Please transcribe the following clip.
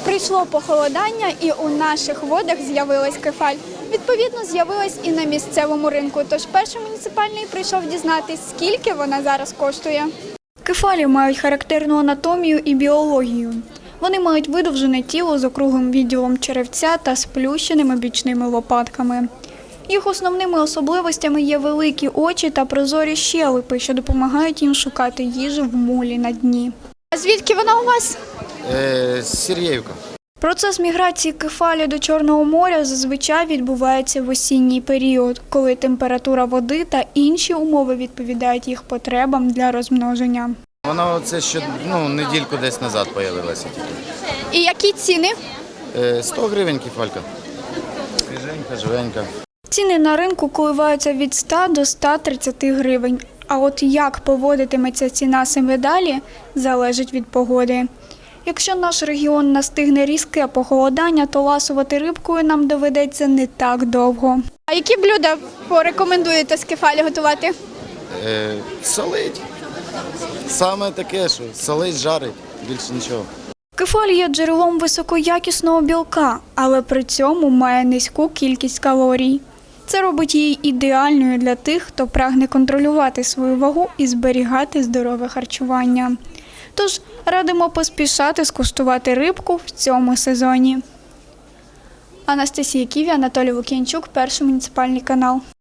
Прийшло похолодання і у наших водах з'явилась кефаль. Відповідно, з'явилась і на місцевому ринку. Тож перший муніципальний прийшов дізнатись, скільки вона зараз коштує. Кефалі мають характерну анатомію і біологію. Вони мають видовжене тіло з округлим відділом черевця та сплющеними бічними лопатками. Їх основними особливостями є великі очі та прозорі щелепи, що допомагають їм шукати їжу в мулі на дні. А звідки вона у вас? Сергіївка. Процес міграції кефалі до Чорного моря зазвичай відбувається в осінній період, коли температура води та інші умови відповідають їх потребам для розмноження. Вона це ще недільку десь назад з'явилася тільки. І які ціни? 100 гривень кефалька. Свіженька, живенька. Ціни на ринку коливаються від 100 до 130 гривень. А от як поводитиметься ціна саме далі, залежить від погоди. Якщо наш регіон настигне різке похолодання, то ласувати рибкою нам доведеться не так довго. А які блюда порекомендуєте з кефалі готувати? Солить. Саме таке, що солить, жарить, більше нічого. Кефаль є джерелом високоякісного білка, але при цьому має низьку кількість калорій. Це робить її ідеальною для тих, хто прагне контролювати свою вагу і зберігати здорове харчування. Тож радимо поспішати скуштувати рибку в цьому сезоні. Анастасія Ківі, Анатолій Лук'янчук, Перший муніципальний канал.